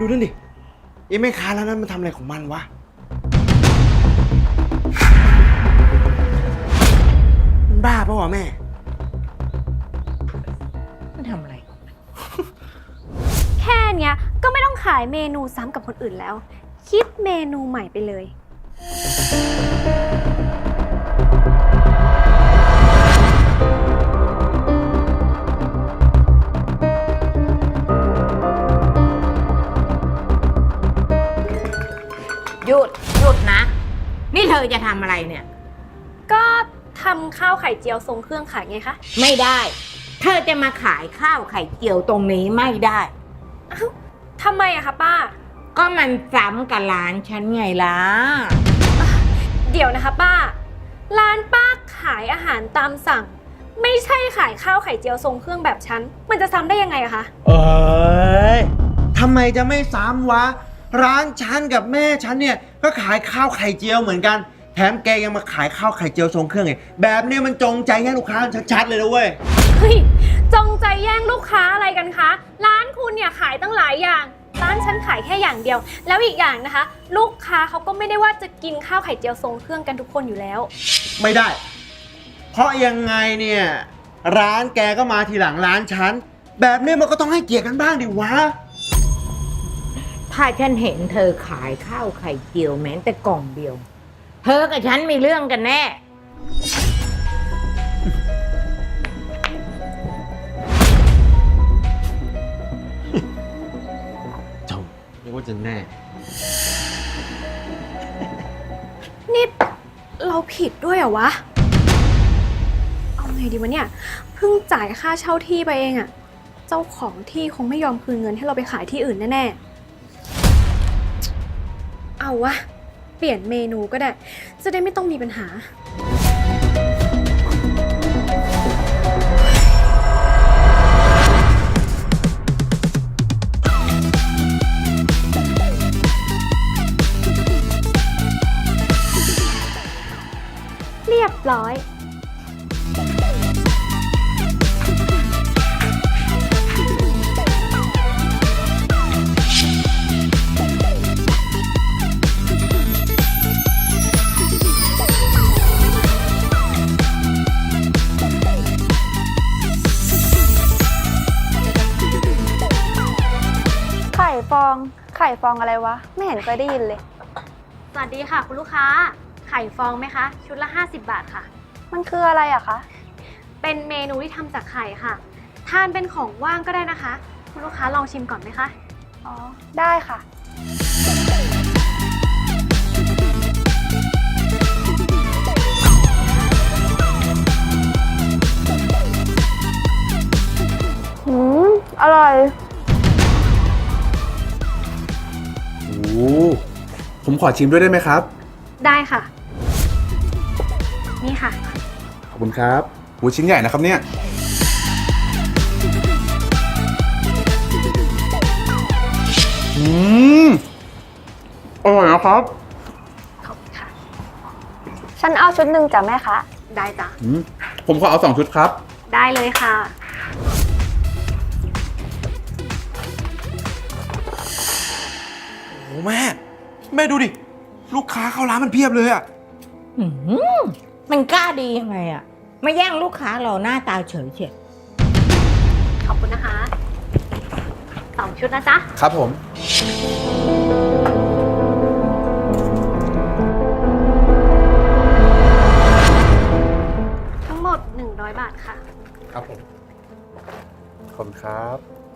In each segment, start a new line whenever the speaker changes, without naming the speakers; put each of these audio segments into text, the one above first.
ดูนั่นดิไอ้แม่ค้าแล้วนั้นมันทำอะไรของมันวะมันบ้าปะวะแม่
มันทำอะไร
แค่เนี้ยก็ไม่ต้องขายเมนูซ้ำกับคนอื่นแล้ว คิดเมนูใหม่ไปเลย
หยุดนะ นี่เธอจะทำอะไรเนี่ย
ก็ทำข้าวไข่เจียวทรงเครื่องขายไงคะ
ไม่ได้ เธอจะมาขายข้าวไข่เจียวตรงนี้ไม่ได้
อ้าวทำไมอะคะป้า
ก็มันซ้ำกับร้านฉันไงล่ะ
เดี๋ยวนะคะป้า ร้านป้าขายอาหารตามสั่ง ไม่ใช่ขายข้าวไข่เจียวทรงเครื่องแบบฉัน มันจะซ้ำได้ยังไงอะคะ
เอ้ยทำไมจะไม่ซ้ำวะร้านฉันกับแม่ฉันเนี่ยก็ขายข้าวไข่เจียวเหมือนกันแถมแกยังมาขายข้าวไข่เจียวทรงเครื่องไงแบบเนี้ยมันจงใจแย่งลูกค้าชัดๆเลยนะเว้ย
เฮ้ย จงใจแย่งลูกค้าอะไรกันคะ ร้านคุณเนี่ยขายตั้งหลายอย่าง ร้านฉันขายแค่อย่างเดียว แล้วอีกอย่างนะคะ ลูกค้าเขาก็ไม่ได้ว่าจะกินข้าวไข่เจียวทรงเครื่องกันทุกคนอยู่แล้ว
ไม่ได้ เพราะยังไงเนี่ยร้านแกก็มาทีหลังร้านฉันแบบนี้มันก็ต้องให้เกียรติกันบ้างดิวะ
ถ้าฉันเห็นเธอขายข้าวไข่เจียวแม้แต่กล่องเดียว เธอกับฉันมีเรื่องกันแน่
เจ้าเรียกว่าจะแน่
นี่เราผิดด้วยเหรอวะ เอาไงดีวะเนี่ย เพิ่งจ่ายค่าเช่าที่ไปเองอะเจ้าของที่คงไม่ยอมคืนเงินให้เราไปขายที่อื่นแน่ๆ เอาวะ เปลี่ยนเมนูก็ได้ จะได้ไม่ต้องมีปัญหา เรียบร้อย
ไข่ฟองอะไรวะ ไม่เห็นเคยได้ยินเลย
สวัสดีค่ะคุณลูกค้า ไข่ฟองไหมคะ ชุดละ 50 บาทค่ะ
มันคืออะไรอะคะ
เป็นเมนูที่ทำจากไข่ค่ะ ทานเป็นของว่างก็ได้นะคะ คุณลูกค้าลองชิมก่อนไหมคะ
อ๋อ ได้ค่ะ อร่อย
โอ้ผมขอชิมด้วยได้ไหมครับ
ได้ค่ะ นี่ค่ะ
ขอบคุณครับโอ้ชิ้นใหญ่นะครับเนี่ยอืมอร่อยนะครับ
ขอบคุณค่ะ
ฉันเอาชุดหนึ่งจ้ะแม่คะ
ได้จ้ะ
ผมขอเอา2 ชุดครับ
ได้เลยค่ะ
โอ้แม่แม่ดูดิลูกค้าเข้าร้านมันเพียบเลยอะ
มันกล้าดียังไงอะมาแย่งลูกค้าเราหน้าตาเฉยเฉย
ขอบคุณนะคะ2 ชุดนะจ๊ะ
ครับผม
ทั้งหมด 100 บาทค่ะ
ครับผม ขอบคุณครับ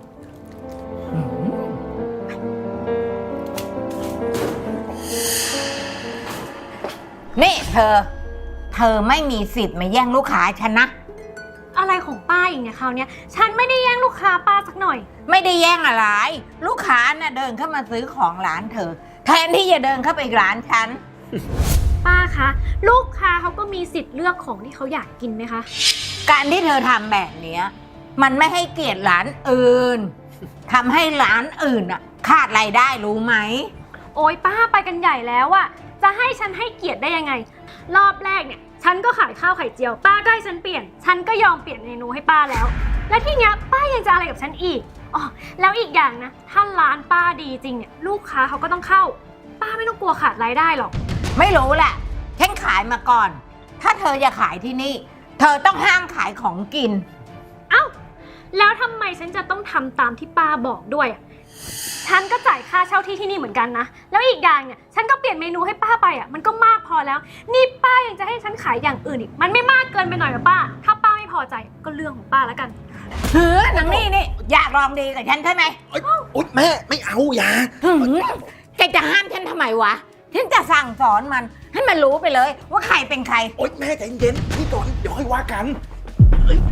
นี่เธอไม่มีสิทธิ์มาแย่งลูกค้าฉันนะ
อะไรของป้าอีกเนี่ยคราวเนี้ยฉันไม่ได้แย่งลูกค้าป้าสักหน่อย
ไม่ได้แย่งอะไร ลูกค้าน่ะเดินเข้ามาซื้อของร้านเธอ แทนที่จะเดินเข้าไปร้านฉัน
ป้าคะ ลูกค้าเขาก็มีสิทธิ์เลือกของที่เขาอยากกินไหมคะ
การที่เธอทำแบบเนี้ยมันไม่ให้เกียรติร้านอื่นทำให้ร้านอื่นอ่ะขาดรายได้รู้ไหม
โอ๊ยป้าไปกันใหญ่แล้วอะจะให้ฉันให้เกียรติได้ยังไง รอบแรกเนี่ยฉันก็ขายข้าวไข่เจียว ป้าก็ให้ฉันเปลี่ยน ฉันก็ยอมเปลี่ยนเมนูให้ป้าแล้ว และที่เนี้ยป้ายังจะอะไรกับฉันอีกอ๋อแล้วอีกอย่างนะ ถ้าร้านป้าดีจริงเนี่ยลูกค้าเขาก็ต้องเข้า ป้าไม่ต้องกลัวขาดรายได้หรอก
ไม่รู้แหละฉันขายมาก่อน ถ้าเธอจะขายที่นี่ เธอต้องห้ามขายของกิน
เอ้า แล้วทำไมฉันจะต้องทำตามที่ป้าบอกด้วยอะฉันก็จ่ายค่าเช่าที่ที่นี่เหมือนกันนะ แล้วอีกอย่างเนี่ยฉันก็เปลี่ยนเมนูให้ป้าไปอ่ะ มันก็มากพอแล้ว นี่ป้ายังจะให้ฉันขายอย่างอื่นอีก มันไม่มากเกินไปหน่อยหรอป้า ถ้าป้าไม่พอใจก็เรื่องของป้าแล้วกัน
เฮ้ยนางนี่อยากลองดีกับฉันใช่ไหม
อุ๊ยแม่ไม่เอาอย่า
แกจะห้ามฉันทำไมวะ ฉันจะสั่งสอนมัน ให้มันรู้ไปเลยว่าใครเป็นใคร
โอ๊ยแม่ใจเย็นๆนี่ก่อนเดี๋ยวค่อยว่ากันเอ้ย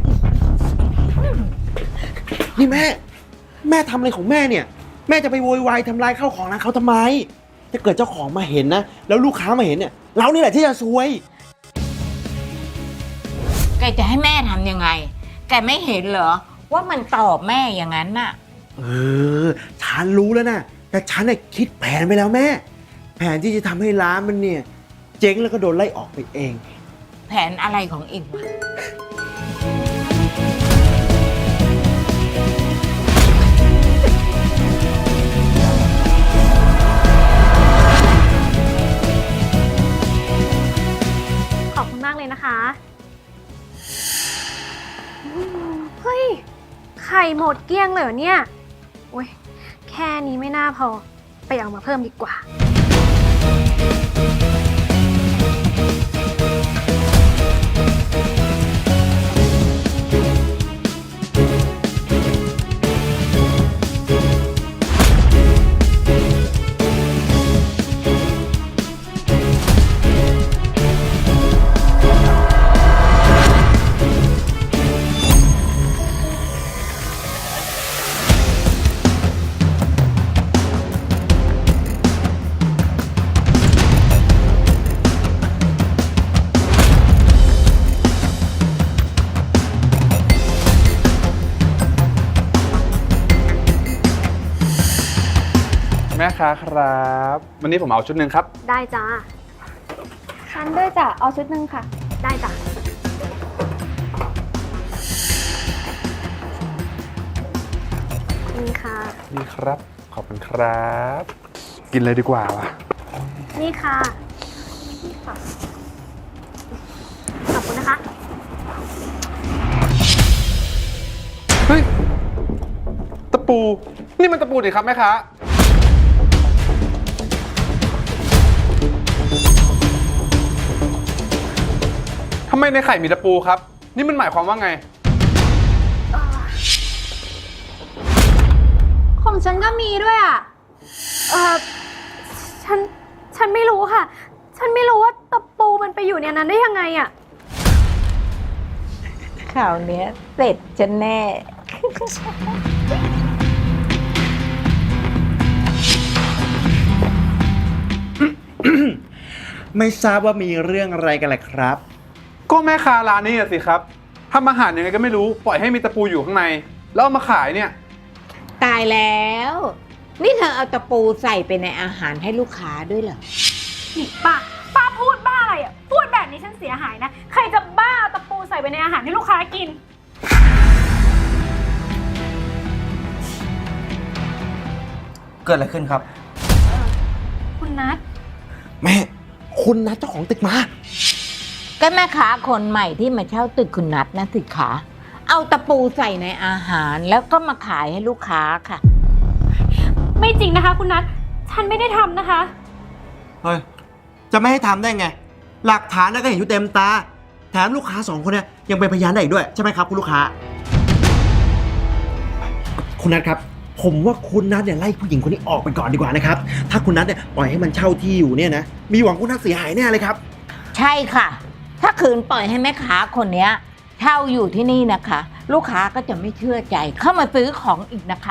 นี่แม่ทำอะไรของแม่เนี่ย แม่จะไปโวยวายทำลายข้าวของร้านเขาทำไม ถ้าเกิดเจ้าของมาเห็นนะ แล้วลูกค้ามาเห็นเนี่ย เรานี่แหละที่จะซวย
แกจะให้แม่ทำยังไง แกไม่เห็นเหรอว่ามันตอบแม่อย่างนั้นน่ะ
ฉันรู้แล้วนะแต่ฉันน่ะคิดแผนไปแล้วแม่ แผนที่จะทำให้ร้านมันเนี่ย เจ๊งแล้วก็โดนไล่ออกไปเอง
แผนอะไรของเองวะ
ขอบคุณมากเลยนะคะเฮ้ย ไข่หมดเกลี้ยงเลยเหรอเนี่ยโอ้ยแค่นี้ไม่น่าพอ ไปเอามาเพิ่มดีกว่า
แม่ค้าครับ วันนี้ผมเอาชุดหนึ่งครับ
ได้จ้า
ฉันด้วยจ้ะ เอาชุดหนึ่งค่ะ
ได้จ้ะนี่ค่ะ
นี่ครับ ขอบคุณครับ กินเลยดีกว่าวะ
นี่ค่ะขอบคุณนะคะ
เฮ้ย ตะปู นี่มันตะปูดิครับแม่ค้า ทำไมในไข่มีตะปูครับ นี่มันหมายความว่าไง
ของฉันก็มีด้วยอ่ะ ฉันไม่รู้ค่ะ ฉันไม่รู้ว่าตะปูมันไปอยู่ในนั้นได้ยังไงอ่ะ
ข่าวเนี้ยเสร็จจะแน่
ไม่ทราบว่ามีเรื่องอะไรกันแหละครับ
ก็แม่ค้าร้านนี้อะสิครับทำอาหารยังไงก็ไม่รู้ ปล่อยให้มีตะปูอยู่ข้างใน แล้วเอามาขายเนี่ย
ตายแล้ว นี่เธอเอาตะปูใส่ไปในอาหารให้ลูกค้าด้วยเหรอ
นี่ป้าพูดบ้าอะไรอ่ะ พูดแบบนี้ฉันเสียหายนะ ใครจะบ้าเอาตะปูใส่ไปในอาหารให้ลูกค้ากิน
เกิดอะไรขึ้นครับ
คุณนัท
แม่ คุณนัดเจ้าของตึกมา
ก็แม่ค้าคนใหม่ที่มาเช่าตึกคุณนัทนะสิคะเอาตะปูใส่ในอาหารแล้วก็มาขายให้ลูกค้าค่ะ
ไม่จริงนะคะ คุณนัท ฉันไม่ได้ทำนะคะ
เฮ้ย จะไม่ให้ทำได้ไง หลักฐานน่ะก็เห็นอยู่เต็มตา แถมลูกค้าสองคนเนี่ยยังเป็นพยานได้อีกด้วยใช่ไหมครับคุณลูกค้า คุณนัทครับ ผมว่าคุณนัทเนี่ยไล่ผู้หญิงคนนี้ออกไปก่อนดีกว่านะครับ ถ้าคุณนัทเนี่ยปล่อยให้มันเช่าที่อยู่เนี่ยนะ มีหวังคุณนัทเสียหายแน่เลยครับ
ใช่ค่ะ ถ้าคืนปล่อยให้แม่ค้าคนเนี้ยเช่าอยู่ที่นี่นะคะ ลูกค้าก็จะไม่เชื่อใจเข้ามาซื้อของอีกนะคะ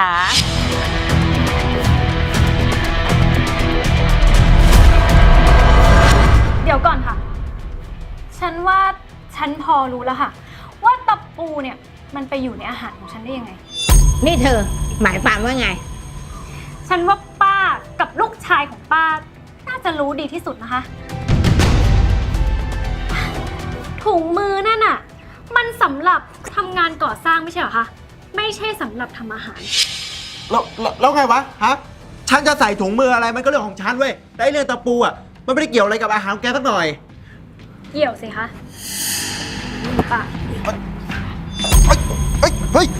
เดี๋ยวก่อนค่ะ ฉันว่าฉันพอรู้แล้วค่ะ ว่าตะปูเนี่ยมันไปอยู่ในอาหารของฉันได้ยังไง
นี่เธอหมายความว่าไง
ฉันว่าป้ากับลูกชายของป้าน่าจะรู้ดีที่สุดนะคะ ถุงมือนั่นน่ะ มันสำหรับทำงานก่อสร้างไม่ใช่เหรอคะ ไม่ใช่สำหรับทำอาหาร
แล้วไงวะฮะฉันจะใส่ถุงมืออะไรมันก็เรื่องของฉันเว้ยแต่ไอ้เรื่องตะปูอ่ะมันไม่ได้เกี่ยวอะไรกับอาหารของแกสักหน่อย
เกี่ยวสิคะป่ะ
เฮ้ยเฮ้ย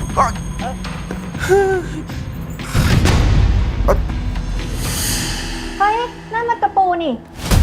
เฮ้ย นั่นมันตะปูนี่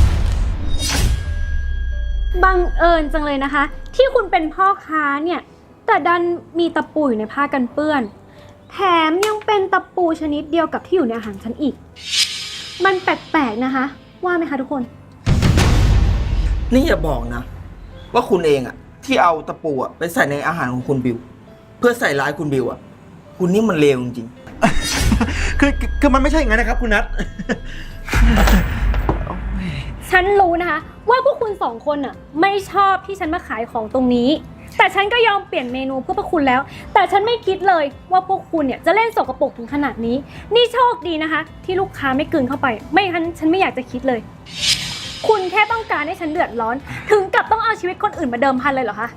บังเอิญจังเลยนะคะ ที่คุณเป็นพ่อค้าเนี่ย แต่ดันมีตะปูอยู่ในผ้ากันเปื้อน แถมยังเป็นตะปูชนิดเดียวกับที่อยู่ในอาหารฉันอีก มันแปลกๆนะคะ ว่าไหมคะทุกคน
นี่อย่าบอกนะ ว่าคุณเองอะที่เอาตะปูอะไปใส่ในอาหารของคุณบิว เพื่อใส่ร้ายคุณบิวอะคุณนี่มันเลวจริง
คือมันไม่ใช่อย่างนั้นนะครับคุณนัท
ฉันรู้นะคะ ว่าพวกคุณสองคนน่ะไม่ชอบที่ฉันมาขายของตรงนี้ แต่ฉันก็ยอมเปลี่ยนเมนูเพื่อพวกคุณแล้ว แต่ฉันไม่คิดเลยว่าพวกคุณเนี่ยจะเล่นสกปรกถึงขนาดนี้ นี่โชคดีนะคะ ที่ลูกค้าไม่กลืนเข้าไป ไม่งั้นฉันไม่อยากจะคิดเลย คุณแค่ต้องการให้ฉันเดือดร้อน ถึงกับต้องเอาชีวิตคนอื่นมาเดิมพันเลยเหรอคะ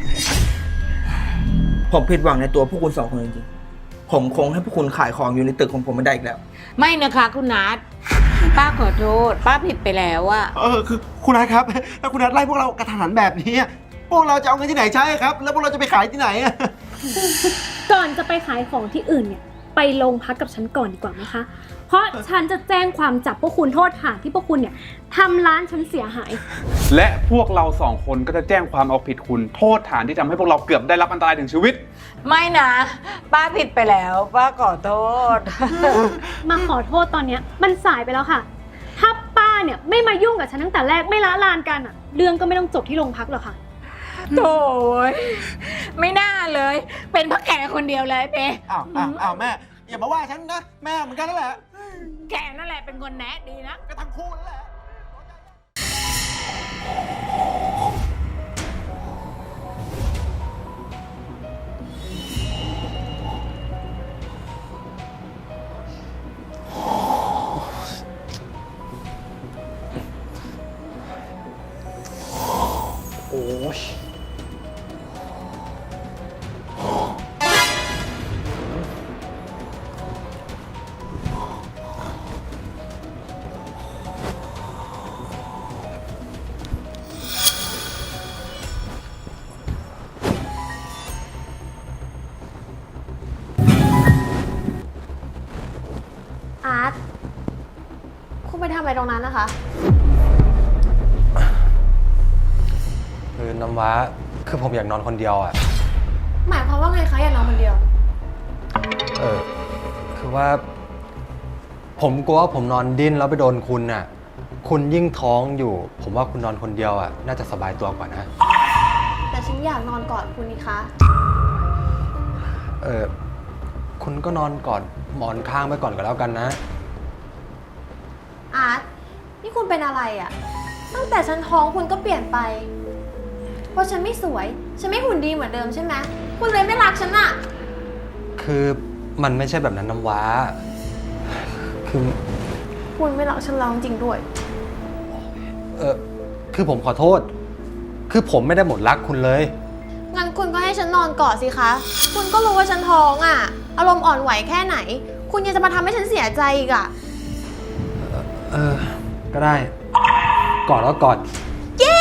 ๆ ผมผิดหวังในตัวพวกคุณสองคนจริงๆ ผมคงให้พวกคุณขายของอยู่ในตึกของผมไม่ได้อีกแล้ว
ไม่นะคะคุณนัทป้าขอโทษ ป้าผิดไปแล้วอะ
คือคุณนัทครับถ้าคุณนัทไล่พวกเรากระทันหันแบบนี้พวกเราจะเอาเงินที่ไหนใช้ครับ แล้วพวกเราจะไปขายที่ไหนอะ
ก่อนจะไปขายของที่อื่นเนี่ย ไปโรงพักกับฉันก่อนดีกว่าไหมคะ เพราะฉันจะแจ้งความจับพวกคุณโทษฐานที่พวกคุณเนี่ยทำร้านฉันเสียหาย
และพวกเราสองคนก็จะแจ้งความเอาผิดคุณโทษฐานที่ทำให้พวกเราเกือบได้รับอันตรายถึงชีวิต
ไม่นะ ป้าผิดไปแล้ว ป้าขอโทษ
มาขอโทษตอนเนี้ยมันสายไปแล้วค่ะ ถ้าป้าเนี่ยไม่มายุ่งกับฉันตั้งแต่แรกไม่ละลานกันอะเรื่องก็ไม่ต้องจบที่โรงพักหรอกค่ะ
โถ่ไม่น่าเลย เป็นเพราะแกคนเดียวเลยเป๊
อ้าวแม่อย่ามาว่าฉันนะแม่เหมือนกันนั่นแหละ
แกนั่นแหละเป็นคนแนะดีนะ
ก็ทั้งคู่นั่นแหละ
โอ้ย
อาร์ต คุณไปทำอะไรตรงนั้นนะคะ
คือน้ำว้าคือผมอยากนอนคนเดียวอ่ะ
หมายความว่าไงคะอยากนอนคนเดียว
คือว่า ผมกลัวว่าผมนอนดิ้นแล้วไปโดนคุณน่ะ คุณยิ่งท้องอยู่ ผมว่าคุณนอนคนเดียวอ่ะ น่าจะสบายตัวกว่านะ
แต่ฉันอยากนอนกอดคุณนี่คะ
คุณก็นอนกอดหมอนข้างไปก่อนก็แล้วกันนะ
อาร์ต นี่คุณเป็นอะไรอะตั้งแต่ฉันท้องคุณก็เปลี่ยนไป เพราะฉันไม่สวย ฉันไม่หุ่นดีเหมือนเดิมใช่ไหม คุณเลยไม่รักฉันอะ
คือมันไม่ใช่แบบนั้นน้ำว้า คือ
คุณไม่รักฉันแล้วจริงๆด้วย
คือผมขอโทษ คือผมไม่ได้หมดรักคุณเลย
งั้นคุณก็ให้ฉันนอนกอดสิคะ คุณก็รู้ว่าฉันท้องอะอารมณ์อ่อนไหวแค่ไหน คุณยังจะมาทำให้ฉันเสียใจอีกอะ
ก็ได้ กอดแล้วกอด
เย้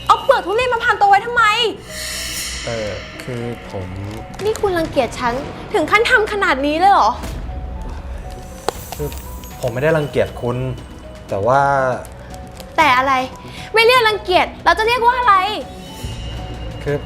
เอาเปลือกทุเรียนมาพันตัวไว้ทำไม
คือผม
นี่คุณรังเกียจฉันถึงขั้นทำขนาดนี้เลยเหรอ
คือผมไม่ได้รังเกียจคุณ แต่ว่า
แต่อะไร ไม่เรียกรังเกียจเราจะเรียกว่าอะไร
คือ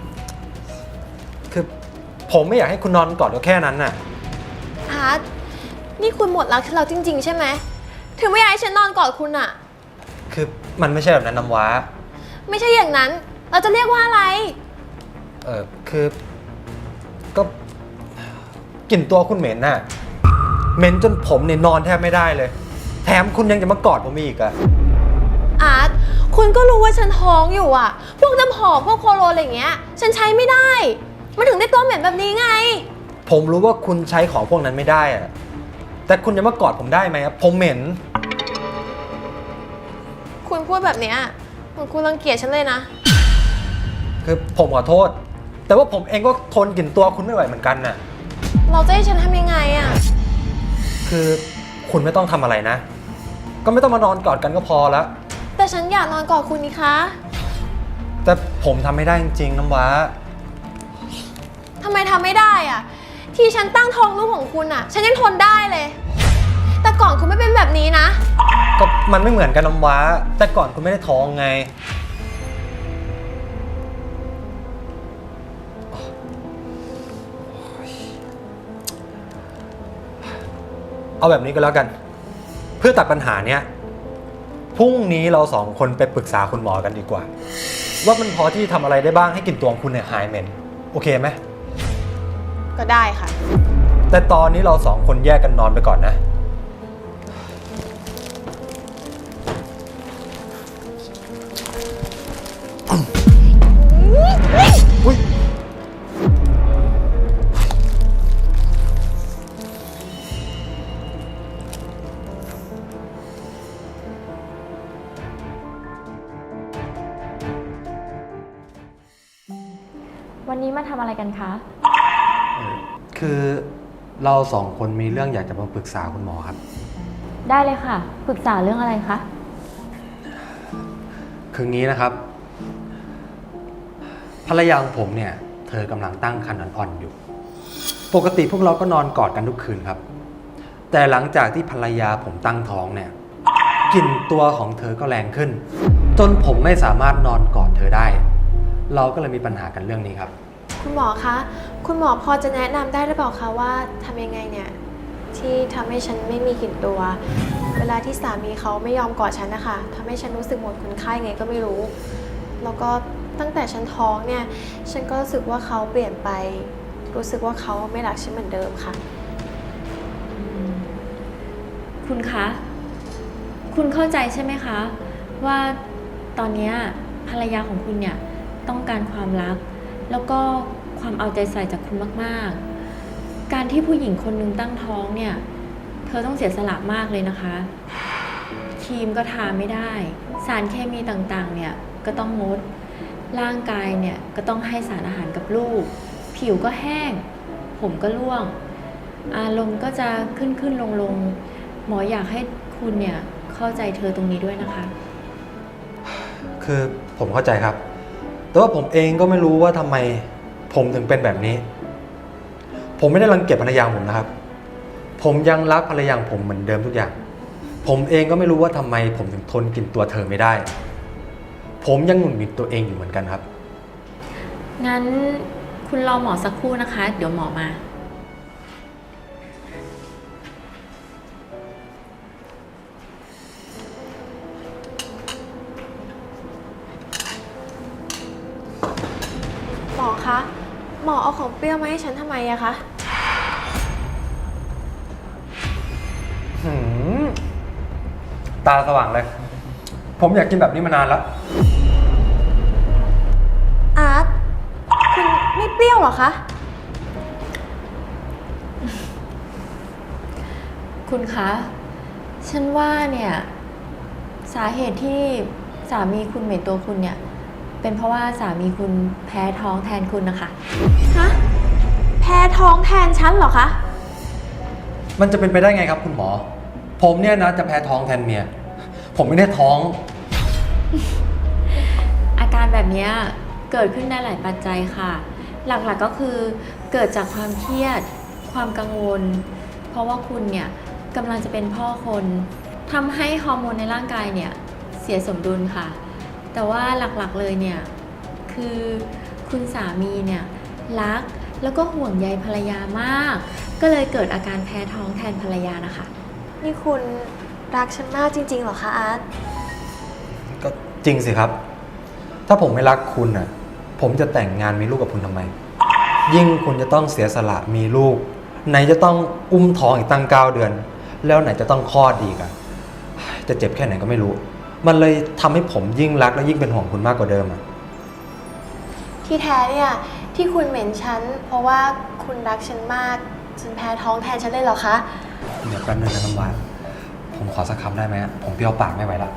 ผมไม่อยากให้คุณนอนกอดก็แค่นั้นน่ะ
อาร์ตนี่คุณหมดรักเราจริง ๆ ใช่ไหม ถึงไม่อยากให้ฉันนอนกอดคุณอะ
คือมันไม่ใช่แบบนั้นน้ำว้า
ไม่ใช่อย่างนั้น เราจะเรียกว่าอะไร
คือก็กลิ่นตัวคุณเหม็นน่ะ เหม็นจนผมเนี่ยนอนแทบไม่ได้เลย แถมคุณยังจะมากอดผมอีกอะ
อาร์ตคุณก็รู้ว่าฉันท้องอยู่อะพวกน้ำหอมพวกโคโลนอะไรอย่างเงี้ย ฉันใช้ไม่ได้ มันถึงได้ตัวเหม็นแบบนี้ไง
ผมรู้ว่าคุณใช้ของพวกนั้นไม่ได้อะแต่คุณจะมากอดผมได้ไหมครับผมเหม็น
คุณพูดแบบเนี้ยเหมือนคุณรังเกียจฉันเลยนะ
คือผมขอโทษ แต่ว่าผมเองก็ทนกลิ่นตัวคุณไม่ไหวเหมือนกันน่ะ
เราจะให้ฉันทำยังไงอะ
คือคุณไม่ต้องทำอะไรนะ ก็ไม่ต้องมานอนกอดกันก็พอแล้ว
แต่ฉันอยากนอนกอดคุณนี่คะ
แต่ผมทำไม่ได้จริงๆน้ำว้า
ทำไมทำไม่ได้อะที่ฉันตั้งท้องลูกของคุณอะฉันยังทนได้เลย แต่ก่อนคุณไม่เป็นแบบนี้นะ
ก็มันไม่เหมือนกันน้ำว้า แต่ก่อนคุณไม่ได้ท้องไง เอาแบบนี้ก็แล้วกัน เพื่อตัดปัญหาเนี้ยพรุ่งนี้เราสองคนไปปรึกษาคุณหมอกันดีกว่า ว่ามันพอที่ทำอะไรได้บ้างให้กลิ่นตัวของคุณเนี่ยหายเหม็นโอเคไหม
ก็ได้ค่ะ
แต่ตอนนี้เราสองคนแยกกันนอนไปก่อนนะ อุ๊ย
วันนี้มาทำอะไรกันคะ
คือเราสองคนมีเรื่องอยากจะมาปรึกษาคุณหมอครับ
ได้เลยค่ะ ปรึกษาเรื่องอะไรคะ
คืองี้นะครับ ภรรยาของผมเนี่ย เธอกำลังตั้งครรภ์อ่อนๆอยู่ ปกติพวกเราก็นอนกอดกันทุกคืนครับ แต่หลังจากที่ภรรยาผมตั้งท้องเนี่ยกลิ่นตัวของเธอก็แรงขึ้น จนผมไม่สามารถนอนกอดเธอได้ เราก็เลยมีปัญหากันเรื่องนี้ครับ
คุณหมอคะ คุณหมอพอจะแนะนำได้หรือเปล่าคะว่าทำยังไงเนี่ยที่ทำให้ฉันไม่มีกลิ่นตัว เวลาที่สามีเขาไม่ยอมกอดฉันนะคะทำให้ฉันรู้สึกหมดคุณค่าไงก็ไม่รู้ แล้วก็ตั้งแต่ฉันท้องเนี่ย ฉันก็รู้สึกว่าเขาเปลี่ยนไป รู้สึกว่าเขาไม่รักฉันเหมือนเดิมค่ะ
คุณคะ คุณเข้าใจใช่ไหมคะ ว่าตอนเนี้ยภรรยาของคุณเนี่ยต้องการความรัก แล้วก็ความเอาใจใส่จากคุณมากๆ การที่ผู้หญิงคนหนึ่งตั้งท้องเนี่ย เธอต้องเสียสละมากเลยนะคะ ครีมก็ทาไม่ได้ สารเคมีต่างๆเนี่ยก็ต้องงด ร่างกายเนี่ยก็ต้องให้สารอาหารกับลูก ผิวก็แห้ง ผมก็ร่วง อารมณ์ก็จะขึ้นลงหมออยากให้คุณเนี่ยเข้าใจเธอตรงนี้ด้วยนะคะ
คือผมเข้าใจครับ แต่ว่าผมเองก็ไม่รู้ว่าทำไมผมถึงเป็นแบบนี้ ผมไม่ได้รังเกียจภรรยาผมนะครับ ผมยังรักภรรยาผมเหมือนเดิมทุกอย่าง ผมเองก็ไม่รู้ว่าทำไมผมถึงทนกินตัวเธอไม่ได้ ผมยังหงุดหงิดตัวเองอยู่เหมือนกันครับ
งั้นคุณรอหมอสักครู่นะคะ เดี๋ยวหมอมา
หมอคะ หมอเอาของเปรี้ยวมาให้ฉันทำไมอะคะ
ตาสว่างเลย ผมอยากกินแบบนี้มานานแล้ว
อาร์ต คุณไม่เปรี้ยวเหรอคะ
คุณคะ ฉันว่าเนี่ยสาเหตุที่สามีคุณเหม็นตัวคุณเนี่ย เป็นเพราะว่าสามีคุณแพ้ท้องแทนคุณนะคะ
ฮะ แพ้ท้องแทนฉันเหรอคะ
มันจะเป็นไปได้ไงครับคุณหมอ ผมเนี่ยนะจะแพ้ท้องแทนเมีย ผมไม่ได้ท้อง
อากแบบเนี้ยเกิดขึ้นได้หลายปัจจัยค่ะ หลักๆก็คือเกิดจากความเครียด ความกังวล เพราะว่าคุณเนี่ยกำลังจะเป็นพ่อคนทำให้ฮอร์โมนในร่างกายเนี่ยเสียสมดุลค่ะ แต่ว่าหลักๆเลยเนี่ยคือคุณสามีเนี่ยรักแล้วก็ห่วงใยภรรยามาก ก็เลยเกิดอาการแพ้ท้องแทนภรรยานะคะ
นี่คุณรักฉันมากจริงๆเหรอคะอาร์ต
ก็จริงสิครับ ถ้าผมไม่รักคุณอ่ะ ผมจะแต่งงานมีลูกกับคุณทำไม ยิ่งคุณจะต้องเสียสละมีลูก ไหนจะต้องอุ้มท้องอีกตั้ง9 เดือน แล้วไหนจะต้องคลอดอีกอ่ะ จะเจ็บแค่ไหนก็ไม่รู้ มันเลยทำให้ผมยิ่งรักและยิ่งเป็นห่วงคุณมากกว่าเดิมอ่ะ
ที่แท้เนี่ยที่คุณเหม็นฉันเพราะว่าคุณรักฉันมากจนแพ้ท้องแทนฉันเลยเหรอคะ
เดี๋ยวแป๊บนึงนะน้ำหวานผมขอสักคำได้ไหมอะผมเปรี้ยวปากไม่ไหวละ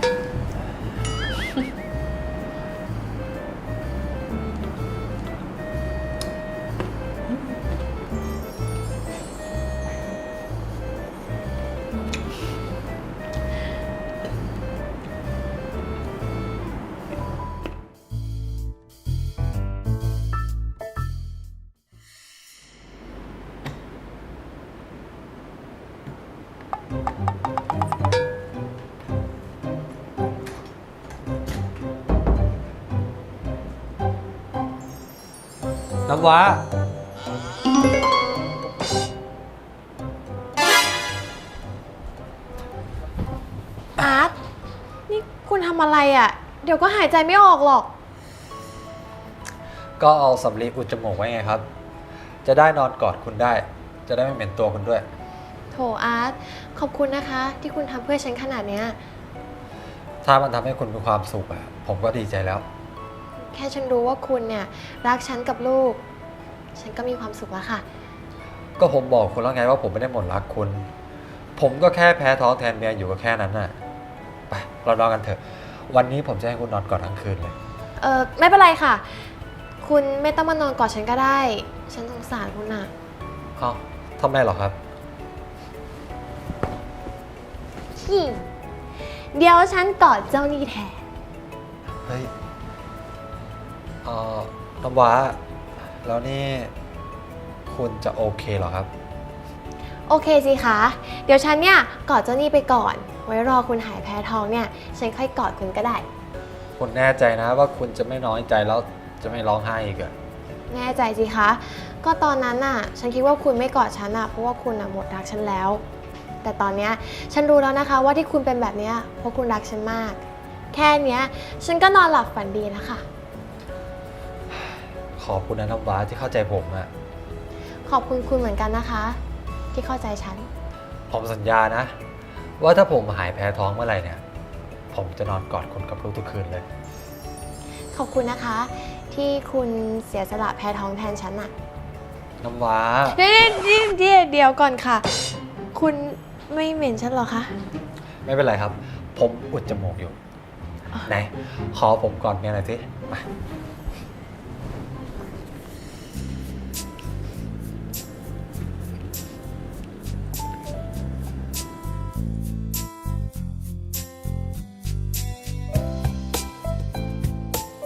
น้ำว้า
อาร์ต นี่คุณทำอะไรอะ่ะ เดี๋ยวก็หายใจไม่ออกหรอก
ก็เอาสำลีอุดจมูกไว้ไงครับ จะได้นอนกอดคุณได้ จะได้ไม่เหม็นตัวคุณด้วย
โถอาร์ต ขอบคุณนะคะ ที่คุณทำเพื่อฉันขนาดเนี้ย
ถ้ามันทำให้คุณมีความสุขอะผมก็ดีใจแล้ว
แค่ฉันรู้ว่าคุณเนี่ยรักฉันกับลูก ฉันก็มีความสุขแล้วค่ะ
ก็ผมบอกคุณแล้วไงว่าผมไม่ได้หมดรักคุณ ผมก็แค่แพ้ท้องแทนเมียอยู่ก็แค่นั้นน่ะ ไปเรานอนกันเถอะ วันนี้ผมจะให้คุณนอนกอดทั้งคืนเลย
ไม่เป็นไรค่ะ คุณไม่ต้องมานอนกอดฉันก็ได้ ฉันสงสารคุณน่ะ
เอ้าทำไมเหรอครับ
เดี๋ยวฉันกอดเจ้านี่แทน
เฮ้ยน้ำว้า แล้วนี่คุณจะโอเคเหรอครับ
โอเคสิคะ เดี๋ยวฉันเนี่ยกอดเจ้านี่ไปก่อน ไว้รอคุณหายแพ้ท้องเนี่ย ฉันค่อยกอดคุณก็ได้
คุณแน่ใจนะว่าคุณจะไม่น้อยใจแล้วจะไม่ร้องไห้อีกอะ
แน่ใจสิคะ ก็ตอนนั้นน่ะ ฉันคิดว่าคุณไม่กอดฉันน่ะ เพราะว่าคุณน่ะหมดรักฉันแล้ว แต่ตอนเนี้ยฉันรู้แล้วนะคะว่าที่คุณเป็นแบบเนี้ยเพราะคุณรักฉันมาก แค่เนี้ยฉันก็นอนหลับฝันดีแล้วค่ะ
ขอบคุณนะน้ำว้าที่เข้าใจผมอะ
ขอบคุณคุณเหมือนกันนะคะ ที่เข้าใจฉัน
ผมสัญญานะ ว่าถ้าผมหายแพ้ท้องเมื่อไหร่เนี่ย ผมจะนอนกอดคุณกับลูกทุกคืนเลย
ขอบคุณนะคะ ที่คุณเสียสละแพ้ท้องแทนฉันน่ะ
น้ำว้า
เดี๋ยวก่อนค่ะ คุณไม่เหม็นฉันเหรอคะ
ไม่เป็นไรครับ ผมอุดจมูกอยู่ ไหน ขอผมกอดเมียหน่อยสิมา